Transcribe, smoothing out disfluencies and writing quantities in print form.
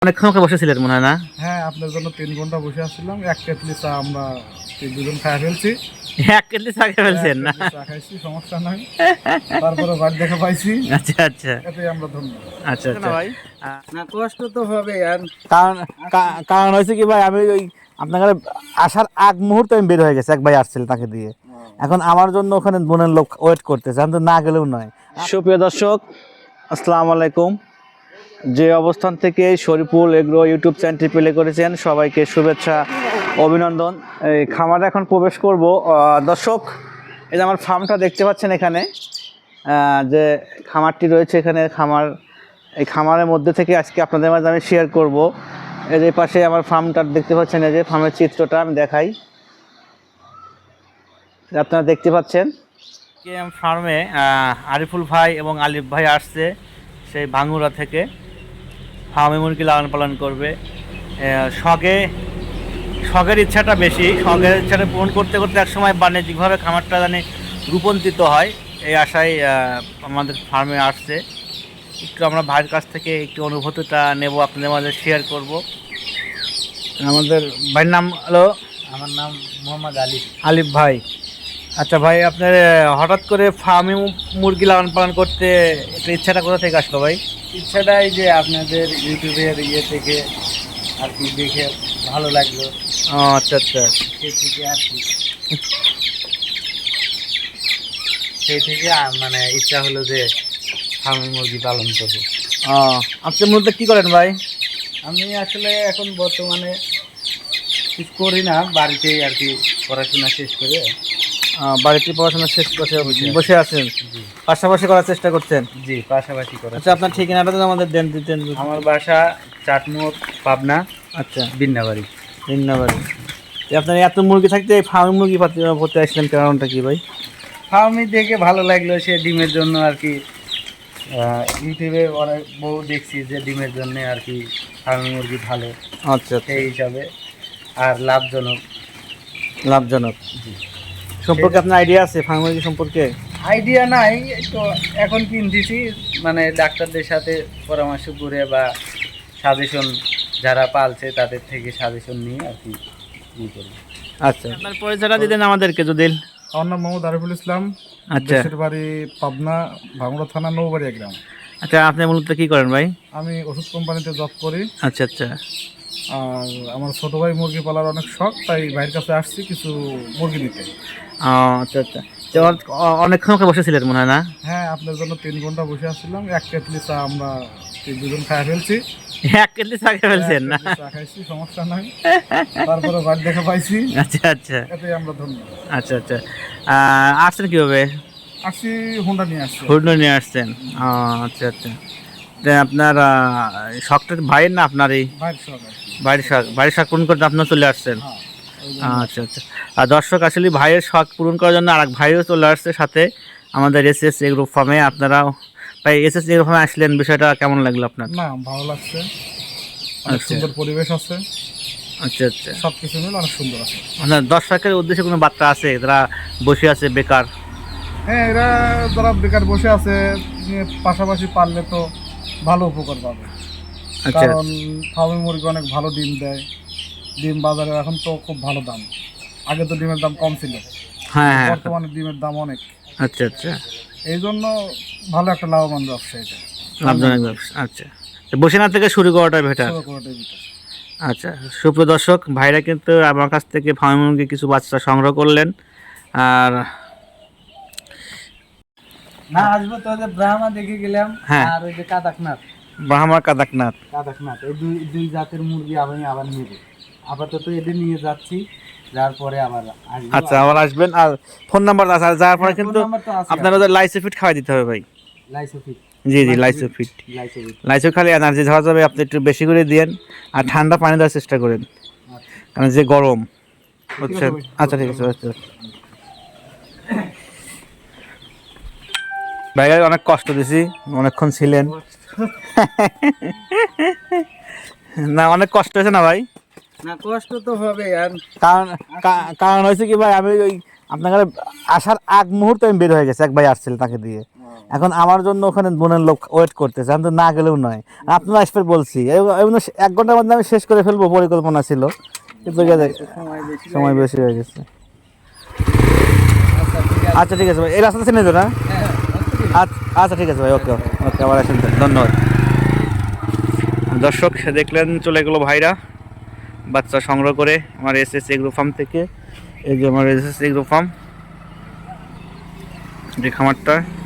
অনেকক্ষণ ওকে বসেছিলেন মনে হয় না? হ্যাঁ, আপনার জন্য ৩ ঘন্টা বসে আসছিলাম। ১ কেটলি চা আমরা দুজন খাই ফেলছি। এক কেটলি চা খেয়ে ফেলছেন না? চা খাইছি, সমস্যা নাই। তারপরে বাড়ি দেখা পাইছি। আচ্ছা আচ্ছা এতেই আমরা ধন্য। আচ্ছা আচ্ছা ভাই না, কষ্ট তো হবে। আর কারণ কারণ হয়েছে কি ভাই, আমি ওই আপনার ঘরে আসার আগ মুহূর্তে আমি বের হয়ে গেছি, এক ভাই আসছিল তাকে দিয়ে। এখন আমার জন্য ওখানে বোনের লোক ওয়েট করতেছে, আমি তো না গেলেও নয়। সুপ্রিয় দর্শক, আসসালামু আলাইকুম। যে অবস্থান থেকে শরীফুল এগ্রো ইউটিউব চ্যানেলটি প্লে করেছেন, সবাইকে শুভেচ্ছা, অভিনন্দন। এই খামারে এখন প্রবেশ করব। দর্শক, এই যে আমার ফার্মটা দেখতে পাচ্ছেন এখানে, যে খামারটি রয়েছে এখানে, এই খামারের মধ্যে থেকে আজকে আপনাদের মাঝে আমি শেয়ার করব। এর এই পাশে আমার ফার্মটা দেখতে পাচ্ছেন, এই যে ফার্মের চিত্রটা আমি দেখাই, আপনারা দেখতে পাচ্ছেন। ফার্মে আরিফুল ভাই এবং আলিফ ভাই আসছে সেই ভাঙ্গুরা থেকে, ফার্মে মুরগি লালন পালন করবে। শখের ইচ্ছাটা বেশি, শখের ইচ্ছাটা পূরণ করতে করতে একসময় বাণিজ্যিকভাবে খামারটা জানি রূপান্তরিত হয়, এই আশায় আমাদের ফার্মে আসছে। একটু আমরা ভাইয়ের কাছ থেকে একটু অনুভূতিটা নেব, আপনাদের মাঝে শেয়ার করব। আমাদের ভাইয়ের নাম হলো? আমার নাম মোহাম্মদ আলিফ ভাই। আচ্ছা ভাই, আপনার হঠাৎ করে ফার্মে মুরগি লালন পালন করতে একটা ইচ্ছাটা কোথা থেকে আসলো ভাই? ইচ্ছাটাই যে আপনাদের ইউটিউবের থেকে আর কি দেখে ভালো লাগলো। ও আচ্ছা আচ্ছা, সেই থেকে আর কি সেই থেকে মানে ইচ্ছা হলো যে ফার্মে মুরগি পালন করবো। ও আপনি মূলত কী করেন ভাই? আমি আসলে এখন বর্তমানে কিছু করি না, বাড়িতেই আর কি পড়াশোনা শেষ করে বাড়িতে পড়াশোনা শেষ করে বসে আছেন, পাশাপাশি করার চেষ্টা করছেন? জি, পাশাপাশি করা। আচ্ছা, আপনার ঠিকানাটা তো আমাদের দিতেন। আমার বাসা চাটমোড়, পাবনা। আচ্ছা, বিন্নাবাড়ি। আপনার এত মুরগি থাকতে ফার্মি মুরগি পড়তে আসলেন, কারণটা কি ভাই? ফার্মি দেখে ভালো লাগলো, সে ডিমের জন্য আর কি। ইউটিউবে অনেক বউ দেখছি যে ডিমের জন্য আর কি ফার্মি মুরগি ভালো। আচ্ছা, সেই হিসাবে আর লাভজনক। জি। সম্পর্কে আপনার আইডিয়া আছে ফার্মি মুরগি সম্পর্কে? আইডিয়া নাই তো, এখন কিনতেছি মানে ডাক্তারদের সাথে পরামর্শ করে বা সাজেশন, যারা পালছে তাদের থেকে সাজেশন নিয়ে আর কি করি। আচ্ছা, আপনার পরিচয়টা দিতেন আমাদেরকে যদি। আমার নাম মোহাম্মদ আরিফুল ইসলাম। আচ্ছা, দেশের বাড়ি পাবনা, ভাঙ্গুড়া থানা, নৌবাড়িয়া গ্রাম। আচ্ছা, আপনি মূলত কি করেন ভাই? আমি ওষুধ কোম্পানিতে জব করি। আচ্ছা আচ্ছা, আর আমার ছোটো ভাই মুরগি পালার অনেক শখ, তাই ভাইয়ের কাছে আসছি কিছু মুরগি নিতে। আচ্ছা আচ্ছা, অনেকক্ষণ ওকে বসেছিলেন মনে হয় না? হ্যাঁ, আপনার জন্য ৩ ঘন্টা বসে আসছিলাম। ১ কেটলি চা আমরা দুজন খাই ফেলছি। এক কেটলি চা খেয়ে ফেলছেন না? চা খাইছি, সমস্যা নাই। তারপরে বাড়ি দেখা পাইছি। আচ্ছা আচ্ছা, এতেই আমরা ধন্য। আচ্ছা আচ্ছা, আসছেন কীভাবে? আসছি হুন্ডা নিয়ে আসছি। হুন্ডা নিয়ে আসছেন? আচ্ছা আচ্ছা, আপনার শখটা ভাইয়ের না আপনার? এই বাড়ির শখ পূরণ করতে আপনার চলে আসছেন? আচ্ছা আচ্ছা, আর দর্শক, আসলে ভাইয়ের শখ পূরণ করার জন্য আরেক ভাইও চলে আসছে সাথে আমাদের এসএস এগ্রো ফার্মে। আপনারাও ভাই এসএস এগ্রো ফার্মে আসলেন, বিষয়টা কেমন লাগলো আপনার? না, ভালো লাগছে। অনেক সুন্দর পরিবেশ আছে। আচ্ছা আচ্ছা, সব কিছু মিলে অনেক সুন্দর আছে। আপনার দর্শকের উদ্দেশ্যে কোনো বার্তা আছে যারা বসে আছে বেকার? হ্যাঁ, এরা যারা বেকার বসে আছে, পাশাপাশি পারলে তো ভালো উপকার পাবে। কারণ ফার্মি মুরগি অনেক ভালো ডিম দেয়। ডিম বাজারে এখন তো খুব ভালো দাম। আগে তো ডিমের দাম কম ছিল, হ্যাঁ, বর্তমানে ডিমের দাম অনেক। আচ্ছা আচ্ছা, এই জন্য ভালো একটা লাভবান ব্যবসা এটা, লাভজনক ব্যবসা। আচ্ছা, বসে না থেকে শুরু করাটা বেটার। আচ্ছা, সুপ্রিয় দর্শক, ভাইরা কিন্তু আমার কাছ থেকে ফার্মি মুরগি কিছু বাচ্চা সংগ্রহ করলেন। আর না, আসবো তো যে ব্রাহ্মা দেখে গেলাম। হ্যাঁ, আর ওই যে কাদাকনাথ, এই দুই জাতের মুরগি আমি আবার নেব। আপাতত এদের নিয়ে যাচ্ছি, যার পরে আবার আসবো। আচ্ছা, আবার আসবেন। আর ফোন নাম্বার আছে, আর যাওয়ার পরে কিন্তু আপনার ওদের লাইসোফিট খাওয়াই দিতে হবে ভাই। লাইসোফিট? জি জি, লাইসো খালি এনার্জি ধরা যাবে, আপনি একটু বেশি করে দিয়েন। আর ঠান্ডা পানি দেওয়ার চেষ্টা করেন, কারণ যে গরম হচ্ছে। আচ্ছা ঠিক আছে, ভাই অনেক কষ্ট দিছি, অনেকক্ষণ ছিলেন না? অনেক কষ্ট হয়েছে না ভাই? না, কষ্ট তো হবে। আর কারণ হয়েছে কি ভাই, আমি ওই আপনার ঘরে আসার আগ মুহূর্তে আমি বের হয়ে গেছি, এক ভাই আসছিল তাকে দিয়ে। এখন আমার জন্য ওখানে বোনের লোক ওয়েট করতেছে, আমি তো না গেলেও নয়। আপনারা আসবে বলছি, এমন 1 ঘন্টার মধ্যে আমি শেষ করে ফেলবো পরিকল্পনা ছিল, কিন্তু সময় বেশি হয়ে গেছে। আচ্ছা ঠিক আছে ভাই, এই রাস্তা চিনে তো না? আচ্ছা ঠিক আছে ভাই, ওকে ওকে, আবার আসেন, ধন্যবাদ। দর্শক দেখলেন, চলে গেলো ভাইরা বাচ্চা সংগ্রহ করে আমার এসএস এগ্রো ফার্ম থেকে। এই যে আমার এসএস এগ্রো ফার্ম, যে খামারটা